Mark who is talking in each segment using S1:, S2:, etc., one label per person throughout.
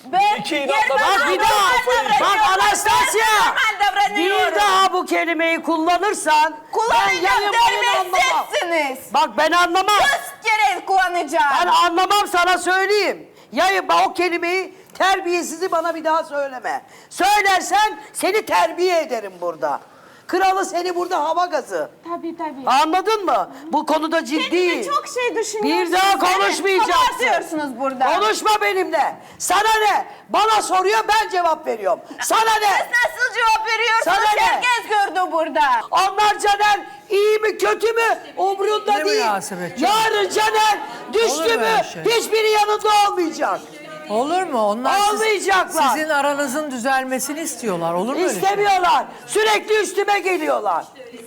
S1: Ben
S2: İki
S1: yer
S2: inatla
S1: bana
S3: Bak bir
S1: normal
S3: daha.
S1: davranıyorum.
S3: Bak Anastasya.
S1: Normal davranıyorum.
S3: Bir daha bu kelimeyi kullanırsan
S1: Kullanacağım
S3: yayın boyunu anlamam.
S1: demezsiniz.
S3: Bak ben anlamam.
S1: 100 kere kullanacağım.
S3: Ben anlamam, sana söyleyeyim. Yayın o kelimeyi, terbiyesizi bana bir daha söyleme. Söylersen seni terbiye ederim burada. Kralı seni burada hava gazı.
S1: Tabii.
S3: Anladın mı? Bu konuda ciddiyim.
S1: Kendine çok şey düşünüyorsunuz.
S3: Bir daha konuşmayacaksın.
S1: Abartıyorsunuz burada.
S3: Konuşma benimle. Sana ne? Bana soruyor, ben cevap veriyorum. Sana ne?
S1: Siz nasıl cevap veriyorsunuz?
S3: Sana ne?
S1: Herkes gördü burada.
S3: Onlar Caner iyi mi kötü mü umrunda
S4: Ne
S3: değil.
S4: münasebet canım.
S3: Yarın Caner düştü
S4: Olur mu
S3: mü
S4: öyle şey?
S3: hiçbiri yanında olmayacak.
S4: Olur mu? Onlar
S3: Olmayacaklar.
S4: sizin aranızın düzelmesini istiyorlar. Olur mu öyle şey?
S3: İstemiyorlar. Sürekli üstüme geliyorlar.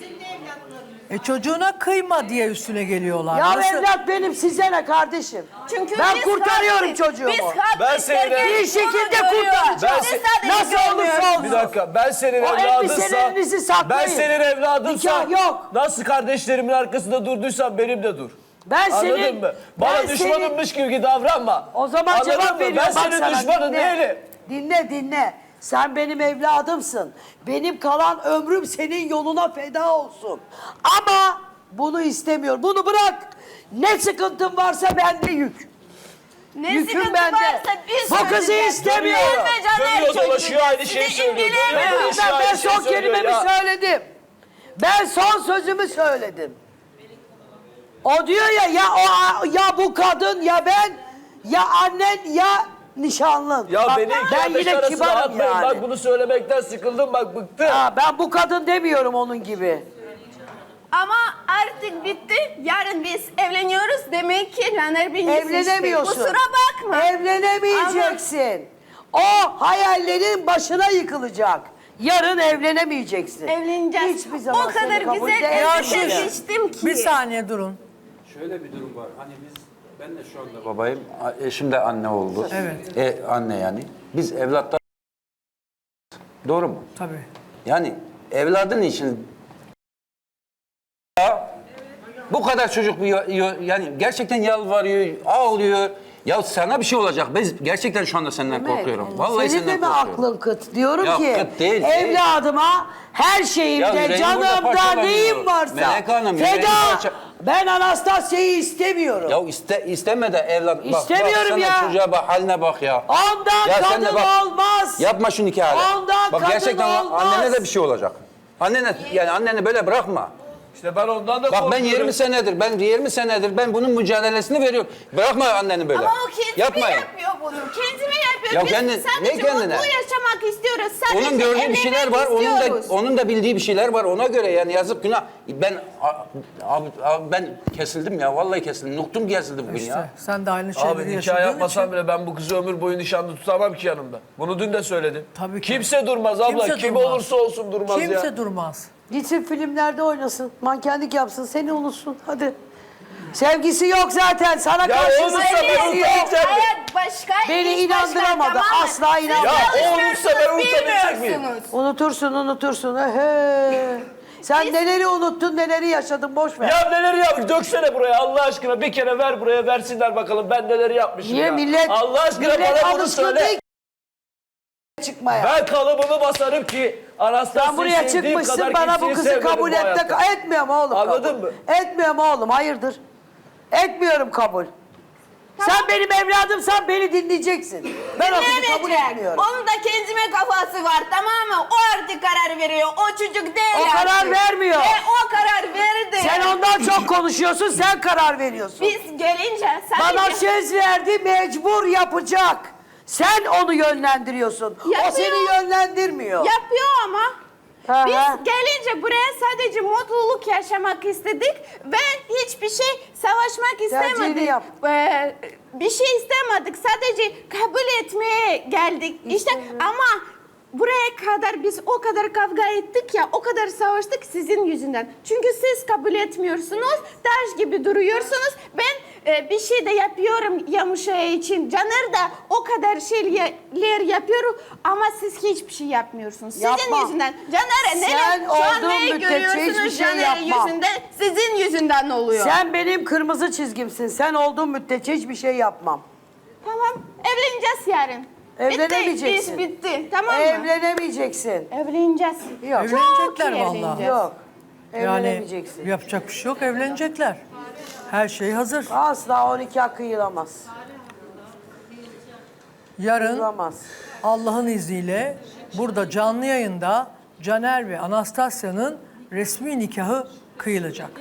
S4: Çocuğuna kıyma diye üstüne geliyorlar.
S3: Ya
S4: Nasıl?
S3: evlat benim, size ne kardeşim?
S1: Çünkü
S3: Ben
S1: biz
S3: kurtarıyorum
S1: haklıyız.
S3: çocuğumu.
S1: Biz haklıyız.
S2: Ben seni de-
S1: Herkes
S3: Bir şekilde
S1: bunu görüyor.
S3: kurtaracağım.
S1: Siz sadece
S3: Nasıl olursa
S1: görmüyorsunuz.
S3: olsun.
S2: Bir dakika, ben senin
S3: O
S2: evladınsa,
S3: elbiselerinizi saklayın.
S2: ben senin evladımsa,
S3: Nikah yok.
S2: nasıl kardeşlerimin arkasında durduysam benim de dur.
S3: Ben
S2: Anladın
S3: senin,
S2: mı? Bana
S3: ben
S2: düşmanınmış gibi davranma.
S3: O zaman
S2: Anladın
S3: cevap
S2: mı?
S3: veriyorum.
S2: Ben
S3: Bak
S2: senin
S3: sana,
S2: düşmanın değilim.
S3: Dinle. Sen benim evladımsın. Benim kalan ömrüm senin yoluna feda olsun. Ama bunu istemiyorum. Bunu bırak. Ne sıkıntın varsa bende yük.
S1: Ne
S3: Yüküm
S1: sıkıntı
S3: bende.
S1: varsa biz
S3: Bu kızı
S1: çözeceğiz.
S3: istemiyorum.
S1: Üzme Caner
S2: Dönüyor
S1: çocuğu.
S2: dolaşıyor aynı şeyi
S1: Sizi
S2: söylüyor.
S1: ilgilenmiyor.
S2: Dönüyor dolaşıyor.
S3: Ben
S2: aynı şeyi
S3: son
S2: söylüyor
S3: kelimemi
S2: ya.
S3: söyledim. Ben son sözümü söyledim. O diyor ya bu kadın ya ben ya annen ya nişanlın.
S2: Ya
S3: Bak,
S2: beni iki
S3: ben
S2: ateş
S3: yine
S2: arasına
S3: kibarım
S2: atmayın.
S3: yani.
S2: Bak bunu söylemekten sıkıldım, bak bıktım.
S3: Ha, ben bu kadın demiyorum onun gibi.
S1: Ama artık bitti. Yarın biz evleniyoruz. Demek ki Caner beni
S3: Evlenemiyorsun.
S1: Kusura bakma.
S3: Evlenemeyeceksin. O hayallerin başına yıkılacak. Yarın evlenemeyeceksin.
S1: Evleneceğiz.
S3: Hiçbir zaman
S1: O kadar
S3: seni kabul
S1: güzel
S3: edemem.
S1: elbise seçtim ki.
S4: Bir saniye durun.
S5: Şöyle bir durum var. Hani ben de şu anda babayım. Eşim de anne oldu.
S4: Evet.
S5: Anne yani. Biz evlatlar. Doğru mu?
S4: Tabii.
S5: Yani evladın için bu kadar çocuk yani gerçekten yalvarıyor, ağlıyor. Ya sana bir şey olacak. Ben gerçekten şu anda senden korkuyorum. Vallahi
S3: Senin de
S5: senden
S3: mi
S5: korkuyorum.
S3: aklın kıt? Diyorum
S5: Ya
S3: ki
S5: kıt değil,
S3: evladıma her
S5: Ya
S3: şeyimde,
S5: yüreğim burada
S3: canımda
S5: parçalanıyor.
S3: neyim varsa
S5: Melek Hanım, yüreğim
S3: feda.
S5: parça-
S3: Ben Anastasya'yı istemiyorum.
S5: Ya isteme de evlat.
S3: İstemiyorum
S5: bak,
S3: ya.
S5: Çocuğa bak, haline bak ya.
S3: Ondan
S5: Ya sen de
S3: kadın
S5: bak,
S3: olmaz.
S5: Yapma şu nikahı.
S3: Ondan
S5: Bak
S3: kadın
S5: gerçekten
S3: olmaz.
S5: annene de bir şey olacak. Anneni böyle bırakma.
S2: İşte ben ondan da
S5: Bak ben
S2: korkuyorum.
S5: 20 senedir ben bunun mücadelesini veriyorum. Bırakma anneni böyle.
S1: Ama o kendime
S5: Yapmayın.
S1: yapıyor bunu. Kendime yapıyor.
S5: Ya
S1: Biz
S5: kendin-
S1: sadece
S5: ne kendine?
S1: mutlu yaşamak istiyoruz. Sadece
S5: Onun gördüğü bir şeyler var.
S1: istiyoruz.
S5: Onun da bildiği bir şeyler var. Ona göre yani yazık günah. Ben kesildim ya. Vallahi kesildim. Noktum kesildi bugün
S4: İşte
S5: ya.
S4: sen de aynı şeyleri
S2: Abi nikah
S4: yaşadığın
S2: yapmasam
S4: için.
S2: bile ben bu kızı ömür boyu nişanlı tutamam ki yanımda. Bunu dün de söyledim.
S4: Tabii ki.
S2: Kimse durmaz abla.
S4: Kimse
S2: Kim
S4: durmaz.
S2: olursa olsun durmaz ya.
S4: Kimse durmaz.
S3: Gitsin filmlerde oynasın, mankenlik yapsın, seni unutsun. Hadi. Sevgisi yok zaten. Sana
S2: Ya
S3: karşı
S2: olursa
S3: sevgisi
S2: ben
S3: yok.
S2: unutacağım.
S1: Hayat başka,
S3: Beni
S1: iş başka,
S3: inandıramadı.
S1: tamam mı?
S3: Asla
S1: Siz
S3: inanmadı.
S2: Ya o olursa ben unutabilecek miyim?
S1: bilmiyorsunuz.
S3: Unutursun. Ehe. Sen neleri unuttun, neleri yaşadın, boş ver.
S2: Ya neleri yapmış? Döksene buraya Allah aşkına. Bir kere ver buraya, versinler bakalım ben neleri yapmışım
S3: Niye
S2: ya.
S3: millet,
S2: Allah aşkına
S3: millet
S2: bana bunu
S3: alışkın
S2: söyle.
S3: değil çıkmaya.
S2: Ben kalıbımı basarım ki
S3: Sen
S2: Anastasya'yı
S3: buraya
S2: sevdiğim
S3: çıkmışsın,
S2: kadar
S3: bana bu
S2: kimseyi
S3: kızı
S2: sevmedim
S3: kabul
S2: bu
S3: et
S2: hayatta.
S3: de etmiyorum oğlum.
S2: Anladın
S3: kabul.
S2: mı?
S3: Etmiyorum oğlum, hayırdır? Etmiyorum kabul. Sen benim evladımsan beni dinleyeceksin. Ben o kızı kabul
S1: Dinlemeyecek.
S3: etmiyorum.
S1: Onun da kendime kafası var, tamam mı? O artık karar veriyor. O çocuk değil
S3: O
S1: artık.
S3: karar vermiyor.
S1: O karar verdi.
S3: Sen ondan çok konuşuyorsun, sen karar veriyorsun.
S1: Biz gelince sadece...
S3: Bana söz verdi, mecbur yapacak. Sen onu yönlendiriyorsun. O
S1: Yapıyor.
S3: seni yönlendirmiyor.
S1: Yapıyor ama.
S3: Hı
S1: Biz
S3: hı.
S1: gelince buraya sadece mutluluk yaşamak istedik ve hiçbir şey savaşmak
S3: Tercihini
S1: istemedik.
S3: yap.
S1: Bir şey istemedik. Sadece kabul etmeye geldik. İşte ama buraya kadar biz o kadar kavga ettik ya, o kadar savaştık sizin yüzünden. Çünkü siz kabul etmiyorsunuz, taş gibi duruyorsunuz. Ben bir şey de yapıyorum Yamuşaya için. Caner da o kadar şeyler yapıyor ama siz hiçbir şey yapmıyorsunuz. Sizin
S3: Yapmam.
S1: yüzünden. Caner'e
S3: Sen
S1: neler şu an
S3: olduğun
S1: neyi
S3: müddetçe
S1: görüyorsunuz
S3: hiçbir şey
S1: Caner'in
S3: yapmam.
S1: yüzünden, sizin yüzünden oluyor.
S3: Sen benim kırmızı çizgimsin. Sen olduğun müddetçe hiçbir şey yapmam.
S1: Tamam, evleneceğiz yarın.
S3: Evlenemeyeceksin.
S1: bitti. Tamam mı?
S3: Evlenemeyeceksin.
S1: Evleneceğiz.
S3: Yok.
S4: Evlenecekler
S1: iyi
S4: vallahi.
S1: evleneceğiz.
S3: Yok.
S4: Yani
S3: Evlenemeyeceksin.
S4: yapacak bir şey yok, evlenecekler. Her şey hazır.
S3: Asla 12 kıyılamaz.
S4: Yarın
S3: Kıyılamaz.
S4: Allah'ın izniyle burada canlı yayında Caner ve Anastasya'nın resmi nikahı kıyılacak.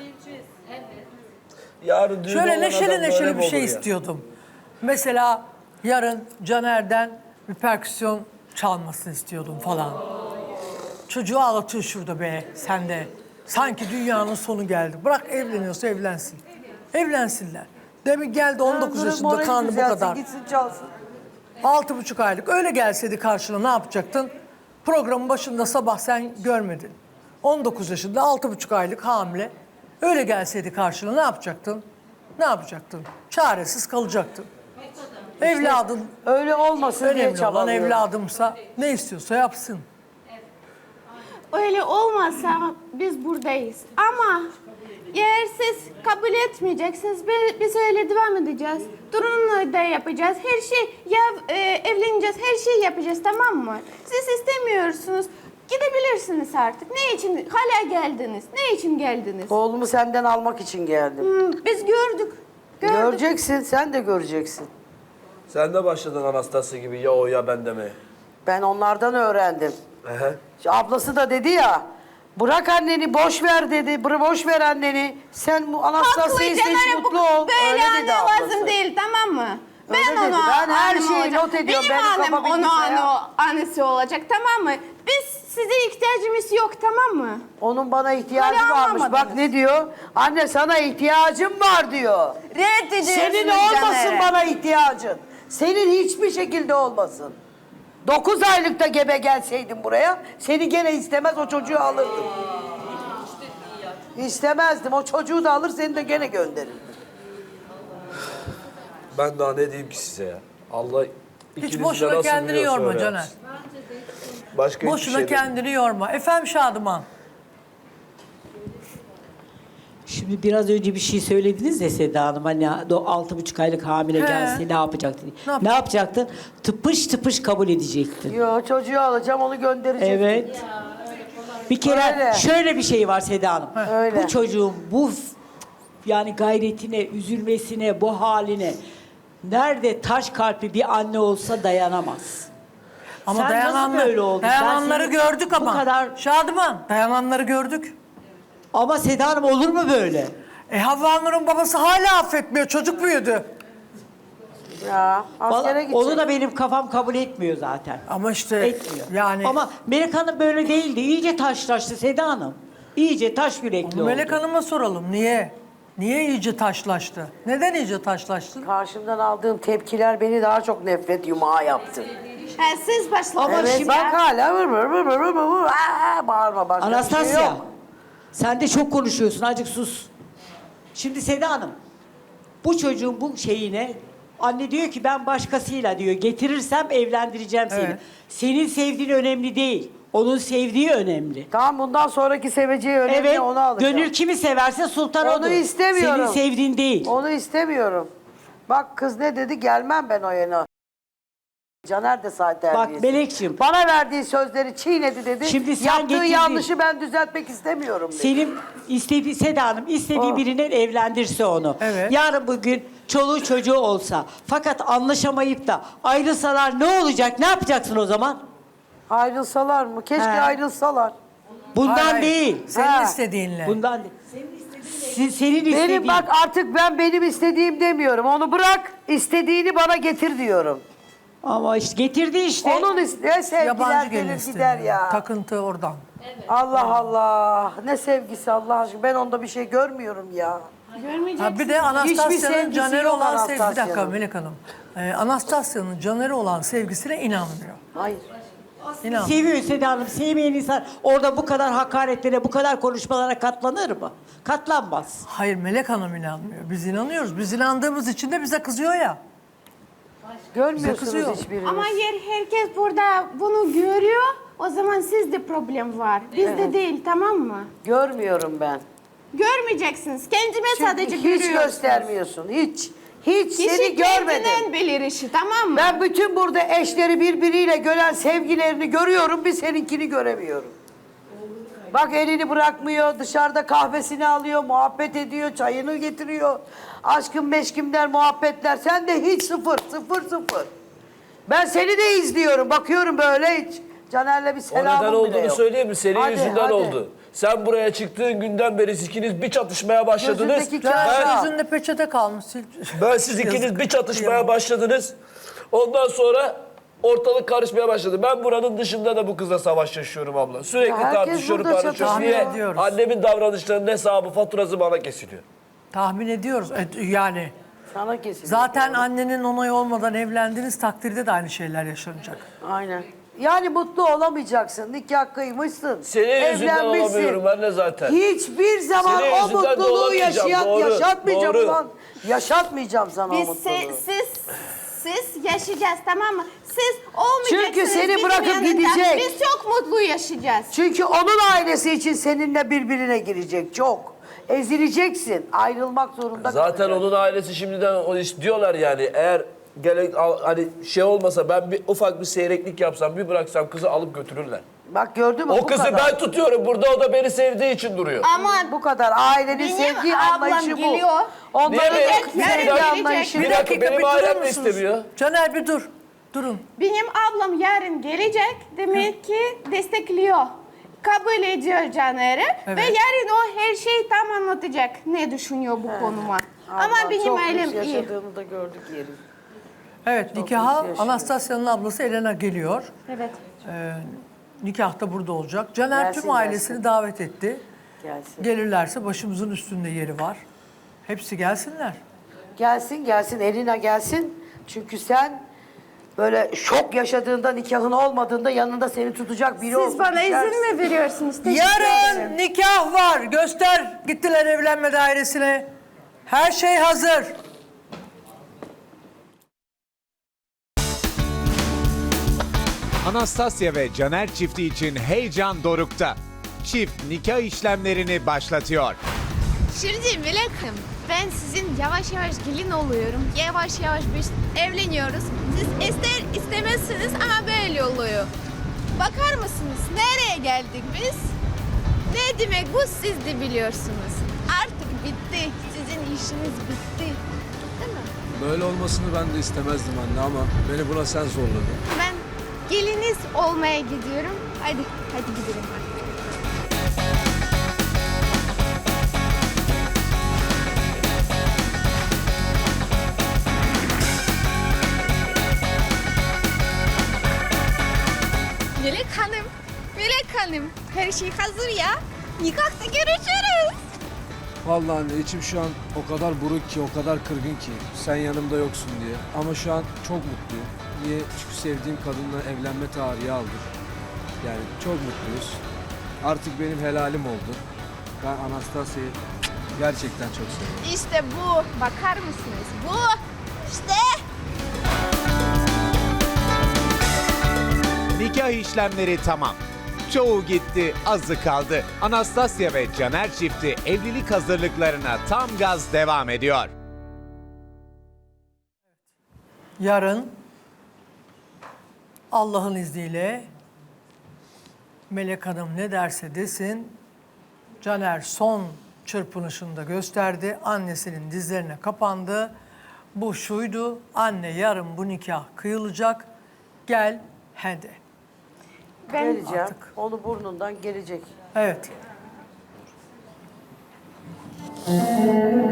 S2: Yarın düğün olan
S4: Şöyle
S2: adam
S4: neşeli
S2: böyle
S4: neşeli
S2: mi
S4: bir şey
S2: olur ya?
S4: istiyordum. Mesela yarın Caner'den bir perküsyon çalmasını istiyordum falan. Çocuğu ağlatıyor şurada be sen de. Sanki dünyanın sonu geldi. Bırak evleniyorsa evlensin. Evlensinler. Demin geldi 19 yaşında karnı bu kadar.
S3: Gitsin çalsın.
S4: 6,5 aylık. Öyle gelseydi karşına ne yapacaktın? Programın başında sabah sen görmedin. 19 yaşında 6,5 aylık hamile. Öyle gelseydi karşına ne yapacaktın? Ne yapacaktın? Çaresiz kalacaktın. Evladın
S3: Öyle olmasın diye
S4: önemli olan
S3: çabalıyorum.
S4: evladımsa ne istiyorsa yapsın.
S1: Öyle olmazsa biz buradayız. Ama eğer siz kabul etmeyeceksiniz, biz öyle devam edeceğiz. Durumla da yapacağız. Her şey, ya evleneceğiz, her şeyi yapacağız, tamam mı? Siz istemiyorsunuz. Gidebilirsiniz artık. Ne için hala geldiniz? Ne için geldiniz?
S3: Oğlumu senden almak için geldim.
S1: Biz gördük.
S3: Göreceksin, sen de göreceksin.
S2: Sen de başladın Anastasya gibi ya o ya ben demeye.
S3: Ben onlardan öğrendim.
S2: Ehe.
S3: İşte ablası da dedi ya, bırak anneni, boş ver dedi. Boş ver anneni. Sen bu Anastasya'yı seç,
S1: Caner'e
S3: mutlu ol.
S1: Böyle
S3: Öyle
S1: anne
S3: dedi ablası.
S1: lazım değil, tamam mı?
S3: Öyle
S1: Ben
S3: dedi.
S1: onu
S3: Ben her
S1: annem
S3: şeyi
S1: olacak.
S3: not ediyorum.
S1: Benim
S3: Benim
S1: annem
S3: kafa
S1: onu
S3: bilgisayar.
S1: annesi olacak, tamam mı? Biz size ihtiyacımız yok, tamam mı?
S3: Onun bana ihtiyacı
S1: Hala
S3: varmış.
S1: anlamadınız.
S3: Bak ne diyor? Anne sana ihtiyacım var diyor.
S1: Reddediyorsunuz
S3: Senin olmasın
S1: Caner'e.
S3: bana ihtiyacın. Senin hiçbir şekilde olmasın. 9 aylıkta gebe gelseydin buraya, seni gene istemez o çocuğu alırdım. İstemezdim. O çocuğu da alır, seni de gene gönderirdim.
S2: Ben daha ne diyeyim ki size ya? Allah
S4: Hiç
S2: ikinizi de
S4: boşuna
S2: nasıl
S4: kendini
S2: biliyorsa
S4: yorma
S2: öyle
S4: Caner.
S2: yapsın. Başka hiçbir
S4: Boşuna
S2: şey değil.
S4: kendini yorma. Efendim Şadıman.
S6: Şimdi biraz önce bir şey söylediniz ya Seda Hanım, hani o 6,5 aylık hamile
S4: He.
S6: gelse ne yapacaktı?
S4: Ne
S6: Ne yapacaktın? Tıpış tıpış kabul edecektin.
S3: Yo, çocuğu alacağım, onu göndereceğim.
S6: Evet. Bir kere
S3: Öyle.
S6: şöyle bir şey var Seda Hanım.
S3: Öyle.
S6: Bu çocuğun yani gayretine, üzülmesine, bu haline nerede taş kalpli bir anne olsa dayanamaz.
S4: Ama
S6: Sen nasıl böyle oldun?
S4: dayananları
S6: Ben seni
S4: gördük
S6: bu
S4: ama.
S6: kadar-
S4: Şadıman, dayananları gördük.
S6: Ama Seda Hanım olur mu böyle?
S4: Havva Nur'un babası hala affetmiyor. Çocuk büyüdü.
S3: Ya, askere
S6: Vallahi
S3: gidecek.
S6: onu da benim kafam kabul etmiyor zaten.
S4: Ama işte
S6: Etmiyor.
S4: yani
S6: Ama Melek Hanım böyle değildi. İyice taşlaştı Seda Hanım. İyice taş yürekli oldu.
S4: Melek Hanım'a soralım. Niye? Niye iyice taşlaştı? Neden iyice taşlaştı?
S3: Karşımdan aldığım tepkiler beni daha çok nefret yumağı yaptı.
S1: Ha, siz başladınız.
S6: Ama
S3: Evet,
S6: şimdi-
S3: bak hala vır vır vır vır vır vır. Bağırma, başka bir şey
S6: Anastasya,
S3: yok.
S6: sen de çok konuşuyorsun. Azıcık sus. Şimdi Seda Hanım, bu çocuğun bu şeyine anne diyor ki ben başkasıyla diyor getirirsem evlendireceğim seni.
S4: Evet.
S6: Senin sevdiğin önemli değil. Onun sevdiği önemli.
S3: Tamam, bundan sonraki seveceği önemli,
S6: Evet,
S3: onu alacağım.
S6: gönül kimi severse sultan
S3: Onu
S6: odur.
S3: istemiyorum.
S6: Senin sevdiğin değil.
S3: Onu istemiyorum. Bak kız ne dedi, gelmem ben o yana. Caner de zaten
S6: Bak
S3: terbiyesiz.
S6: Melekciğim.
S3: Bana verdiği sözleri çiğnedi dedi.
S6: Şimdi sen
S3: Yaptığı
S6: getirdin.
S3: yanlışı ben düzeltmek istemiyorum dedi.
S6: Senin istediği Seda Hanım istediği
S3: Oh.
S6: birine evlendirse onu.
S4: Evet.
S6: Yarın bugün çoluğu çocuğu olsa fakat anlaşamayıp da ayrılsalar ne olacak? Ne yapacaksın o zaman?
S3: Ayrılsalar mı? Keşke
S6: He.
S3: ayrılsalar.
S6: Bundan
S4: Hayır,
S6: değil.
S4: Senin
S3: Ha.
S4: istediğinle.
S6: Bundan değil. Senin istediğin.
S3: Benim bak artık ben benim istediğim demiyorum. Onu bırak, istediğini bana getir diyorum.
S6: Ama işte getirdi işte.
S3: Onun ne sevgiler
S4: Yabancı gelin
S3: gelir
S4: istedi.
S3: gider ya.
S4: Takıntı oradan.
S3: Allah Allah. Ne sevgisi Allah aşkına. Ben onda bir şey görmüyorum ya.
S1: Görmeyeceksiniz.
S4: Ha bir de
S3: Hiçbir
S4: Anastasya'nın
S3: sevgisi
S4: Caner'e
S3: yok
S4: olan sevgisi. Bir dakika
S3: Anastasya'nın.
S4: Melek Hanım. Anastasya'nın Caner'e olan sevgisine inanmıyor.
S3: Hayır.
S4: İnanmıyor.
S6: Seviyor Seda Hanım. Sevmeyen insan orada bu kadar hakaretlere, bu kadar konuşmalara katlanır mı? Katlanmaz.
S4: Hayır Melek Hanım inanmıyor. Biz inanıyoruz. Biz inandığımız için de bize kızıyor ya.
S3: Görmüyorsunuz
S4: kızıyor.
S3: hiçbiriniz.
S1: Ama yer herkes burada bunu görüyor. O zaman sizde problem var. Bizde değil, tamam mı?
S3: Görmüyorum ben.
S1: Görmeyeceksiniz. Kendime
S3: Çünkü
S1: sadece
S3: hiç
S1: görüyorum.
S3: göstermiyorsun. Hiç. Hiç
S1: Kişi
S3: seni görmedim.
S1: kendinden bilir işi, tamam mı?
S3: Ben bütün burada eşleri birbiriyle gören sevgilerini görüyorum, bir seninkini göremiyorum. Bak elini bırakmıyor, dışarıda kahvesini alıyor, muhabbet ediyor, çayını getiriyor. Aşkım meşkimler, muhabbetler. Sen de hiç sıfır. Ben seni de izliyorum, bakıyorum böyle hiç. Caner'le bir
S2: O
S3: selamım
S2: neden
S3: bile
S2: olduğunu
S3: yok.
S2: söyleyeyim mi? Senin
S3: Hadi,
S2: yüzünden
S3: hadi.
S2: oldu. Sen buraya çıktığın günden beri ikiniz bir çatışmaya başladınız.
S3: Gözündeki
S4: Caner
S3: kâr.
S4: yüzünde peçete kalmış.
S2: Ben siz ikiniz
S4: Yazık.
S2: bir çatışmaya başladınız. Ondan sonra ortalık karışmaya başladı. Ben buranın dışında da bu kızla savaş yaşıyorum abla. Sürekli
S3: Herkes
S2: tartışıyorum,
S3: burada
S2: tartışıyorum.
S3: çatışıyor.
S2: Niye?
S4: Ediyoruz.
S2: Annemin davranışlarının hesabı, faturası bana kesiliyor.
S4: Tahmin ediyoruz. Yani
S3: Sana kesin.
S4: zaten annenin onayı olmadan evlendiğiniz takdirde de aynı şeyler yaşanacak.
S3: Aynen. Yani mutlu olamayacaksın. Nikah kıymışsın.
S2: Senin yüzünden
S3: evlenmişsin.
S2: olamıyorum ben de zaten.
S3: Hiçbir zaman
S2: Senin
S3: o
S2: yüzünden de
S3: mutluluğu
S2: olamayacağım, doğru,
S3: yaşatmayacağım
S2: doğru.
S3: ulan. Yaşatmayacağım sana o
S1: Biz
S3: mutluluğu.
S1: siz yaşayacağız, tamam mı? Siz olmayacaksınız
S3: Çünkü seni
S1: bizim
S3: bırakıp
S1: yanında.
S3: gidecek.
S1: Biz çok mutlu yaşayacağız.
S3: Çünkü onun ailesi için seninle birbirine girecek çok. Ezileceksin. Ayrılmak zorunda
S2: Zaten
S3: kalacaksın.
S2: onun ailesi şimdiden o iş diyorlar yani eğer hani şey olmasa ben bir ufak bir seyreklik yapsam bir bıraksam kızı alıp götürürler.
S3: Bak gördün mü
S2: O
S3: bu
S2: kızı
S3: kadar.
S2: ben tutuyorum burada o da beni sevdiği için duruyor.
S1: Ama
S3: Bu kadar. Ailenin
S1: Benim
S3: sevgi
S1: ablam
S3: anlayışı bu.
S1: geliyor.
S3: Onların
S2: Niye
S3: da
S2: be-
S3: sevgi
S2: Bir
S3: anlayışı.
S2: Bir dakika benim
S4: bir durur
S2: ailem de
S4: musunuz?
S2: istemiyor.
S4: Caner bir dur. Durun.
S1: benim ablam yarın gelecek, demek ki destekliyor. Kabul ediyor Caner'i ve yarın o her şeyi tam anlatacak. Ne düşünüyor bu konuma. Ama
S3: Allah,
S1: benim
S3: çok
S1: ailem
S3: lüks
S1: iyi.
S3: yaşadığını da gördük yerim.
S4: Evet nikaha
S3: yaşıyor.
S4: Anastasya'nın ablası Elena geliyor.
S1: Evet.
S4: Nikah da burada olacak. Caner
S3: Gelsin,
S4: tüm ailesini
S3: gelsin.
S4: davet etti.
S3: Gelsin.
S4: Gelirlerse başımızın üstünde yeri var. Hepsi gelsinler.
S3: Gelsin Elina gelsin. Çünkü sen böyle şok yaşadığında nikahın olmadığında yanında seni tutacak biri olsun.
S1: Siz bana
S3: istersin.
S1: izin mi veriyorsunuz? Teşekkür ederim.
S4: Yarın nikah var. Göster. Gittiler evlenme dairesine. Her şey hazır.
S7: Anastasya ve Caner çifti için heyecan dorukta. Çift nikah işlemlerini başlatıyor.
S8: Şimdi Melek'im, ben sizin yavaş yavaş gelin oluyorum. Yavaş yavaş biz evleniyoruz. Siz ister istemezsiniz ama böyle oluyor. Bakar mısınız nereye geldik biz? Ne demek bu siz de biliyorsunuz. Artık bitti. Sizin işiniz bitti. Değil mi?
S9: Böyle olmasını ben de istemezdim anne ama beni buna sen zorladın.
S8: Ben geliniz olmaya gidiyorum. Hadi gidelim artık. Melek Hanım, her şey hazır ya. Nikahta görüşürüz.
S9: Vallahi anne içim şu an o kadar buruk ki, o kadar kırgın ki sen yanımda yoksun diye. Ama şu an çok mutluyum. Niye? Çünkü sevdiğim kadınla evlenme tarihi aldık. Yani çok mutluyuz. Artık benim helalim oldu. Ben Anastasya'yı gerçekten çok seviyorum.
S8: İşte bu. Bakar mısınız? Bu. İşte.
S7: Nikah işlemleri tamam. Çoğu gitti, azı kaldı. Anastasya ve Caner çifti evlilik hazırlıklarına tam gaz devam ediyor.
S4: Yarın Allah'ın izniyle Melek Hanım ne derse desin Caner son çırpınışını da gösterdi. Annesinin dizlerine kapandı. Bu şuydu. Anne yarın bu nikah kıyılacak. Gel hadi.
S3: Geleceğim.
S4: Artık.
S3: Onu burnundan gelecek.
S4: Evet.